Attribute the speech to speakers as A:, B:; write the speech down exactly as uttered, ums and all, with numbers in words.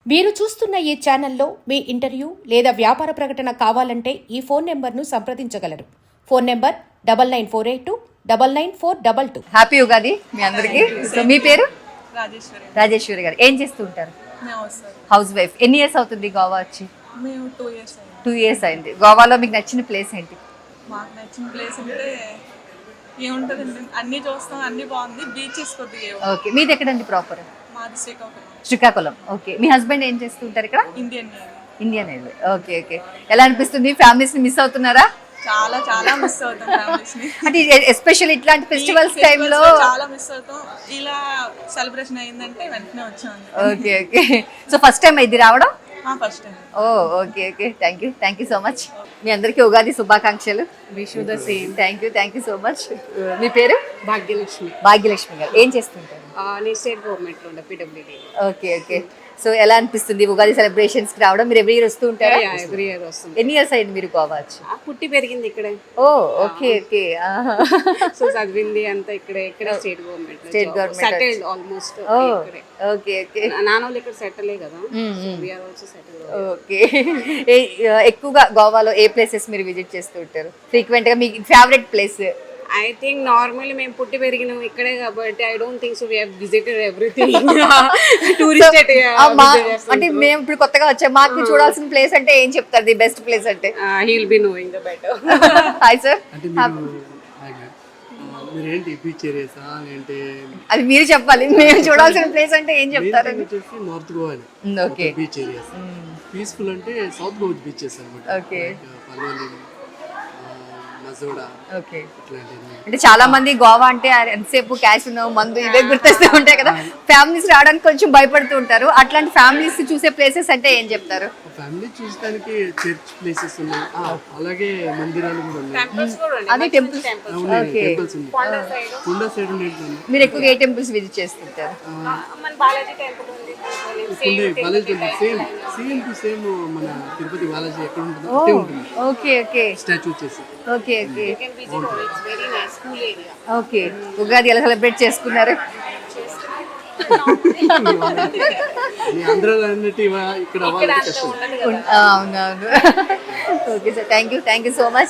A: మీరు చూస్తున్న ఈ ఛానల్లో మీ ఇంటర్వ్యూ లేదా వ్యాపార ప్రకటన కావాలంటే ఈ ఫోన్ నెంబర్ను సంప్రదించగలరు. Phone number double nine four eight two double nine four double two.
B: Happy Ugadi మీ అందరికి. సో మీ పేరు?
C: రాజేశ్వరి.
B: రాజేశ్వరి గారు. ఏం చేస్తూ ఉంటారు?
C: మేము
B: హౌస్ వైఫ్. ఎన్ని ఇయర్స్ అవుతుంది గోవా వచ్చి?
C: మేము టూ ఇయర్స్ అయింది.
B: టూ ఇయర్స్ అయింది. గోవాలో మీకు నచ్చిన ప్లేస్ ఏంటి?
C: మాకు నచ్చిన ప్లేస్ అంటే ఏముంటుందండి, అన్నీ చూస్తాం, అన్నీ బాగుంది. బీచెస్ కొద్దిగా ఏమో.
B: ఓకే, మీది ఎక్కడండి ప్రాపర్?
C: మాది శ్రీకాకుళం.
B: శ్రీకాకుళం. ఓకే, మీ హస్బెండ్ ఏం చేస్తూ ఉంటారు ఇక్కడ?
C: Indian navy.
B: Indian navy. Okay okay. ఎలా అనిపిస్తుంది? ఫ్యామిలీస్ ని మిస్ అవుతున్నారా?
C: చాలా చాలా మిస్ అవుతాం ఫ్యామిలీస్ ని.
B: అంటే ఎస్పెషల్ ఇట్లాంటి ఫెస్టివల్స్ టైంలో
C: చాలా మిస్ అవుతాం. ఇలా సెలబ్రేషన్ అయిందంటే వెంటనే వచ్చాం.
B: Okay okay. So first time ఇది రావడం?
C: First time.
B: Oh okay okay. Thank you thank you so much. మీ అందరికీ ఉగాది శుభాకాంక్షలు.
D: Wish the same.
B: Thank you thank you so much. మీ పేరు?
D: భాగ్యలక్ష్మి.
B: భాగ్యలక్ష్మి గారు. ఏం చేస్తుంటారు?
D: నేను స్టేట్ గవర్నమెంట్లో ఉండే పీడబ్ల్యూడీ.
B: Okay okay. సో ఎలా అనిపిస్తుంది ఉగాది సెలబ్రేషన్స్ కి రావడం? మీరు ఎవ్రీ ఇయర్ వస్తూ ఉంటారా?
D: ఎవ్రీ ఇయర్ వస్తుంది.
B: ఎన్ని ఇయర్స్ అయింది మీరు గోవా వచ్చి?
D: ఆ, పుట్టి పెరిగింది ఇక్కడే.
B: ఓ ఓకే ఓకే.
D: సో చదివింది అంతా ఇక్కడే. ఇక్కడ state government.
B: State government
D: settled almost.
B: Oh okay okay.
D: నాన్నోళ్ళు ఇక్కడ సెటిలే కదా. We're also settle.
B: ఓకే. ఎక్కువగా గోవాలో ఏ ప్లేసెస్ మీరు విజిట్ చేస్తూ ఉంటారు ఫ్రీక్వెంట్ గా? మీ favourite place?
D: I think normally మేము పుట్టి పెరిగినాం ఇక్కడే కాబట్టి I don't think so we have visited everything. Tourist
B: అంటే మేము ఇప్పుడు కొత్తగా వచ్చాం, మాకు చూడాల్సిన ప్లేస్ అంటే ఏం చెప్తారు? ది బెస్ట్ ప్లేస్ అంటే?
D: He will be knowing the better.
B: Hi sir.
E: అంటే మీరు మీరు ఏంటి బీచ్ ఏరియాసా ఏంటి?
B: అది మీరు చెప్పాలి. మేము చూడాల్సిన ప్లేస్ అంటే ఏం చెప్తారు?
E: వచ్చేసి north Goa
B: okay.
E: Beach areas. Peaceful అంటే సౌత్ గోవా బీచెస్ అనమాట.
B: ఓకే.
E: పల్వలి, మజోడా,
B: ఓకే.
E: ఇట్లాంటివి.
B: అంటే చాలా మంది గోవా అంటే ఎంతసేపు క్యాష్ ఉన్నావు మందు ఇవే గుర్తొస్తూ ఉంటాయి కదా. ఫ్యామిలీస్ రావడానికి కొంచెం భయపడుతూ ఉంటారు. అట్లాంటి ఫ్యామిలీస్ చూసే ప్లేసెస్ అంటే ఏం చెప్తారు?
E: ఫ్యామిలీ చూడడానికి చర్చ్ ప్లేసెస్ ఉన్నాయి, అలాగే మందిరాలు కూడా ఉన్నాయి.
B: అదే టెంపుల్స్.
E: ఉన్నాయి,
B: ఓకే.
E: టెంపుల్స్ ఉన్నాయి. కొండ సైడ్ ఉండేది.
B: మీరు ఎక్కువగా ఏ టెంపుల్స్ విజిట్ చేస్తుంటారు?
D: బాలాజీ టెంపుల్ ఉంది.
E: Balaji temple same same to same మన తిరుపతి బాలాజీ ఎక్కడ ఉంటుందో అట్టే ఉంటుంది.
B: Okay okay.
E: స్టాచ్యూ వచ్చేసి.
B: Okay okay
D: very nice cool area.
B: Okay. Ugadi ఎలా సెలబ్రేట్ చేసుకున్నారు?
E: ఈ ఆంధ్రాలో అన్నట్టు ఇవ- ఇక్కడ వాళ్ళకి కష్టం.
B: అవునవును. Okay sir, thank you thank you so much.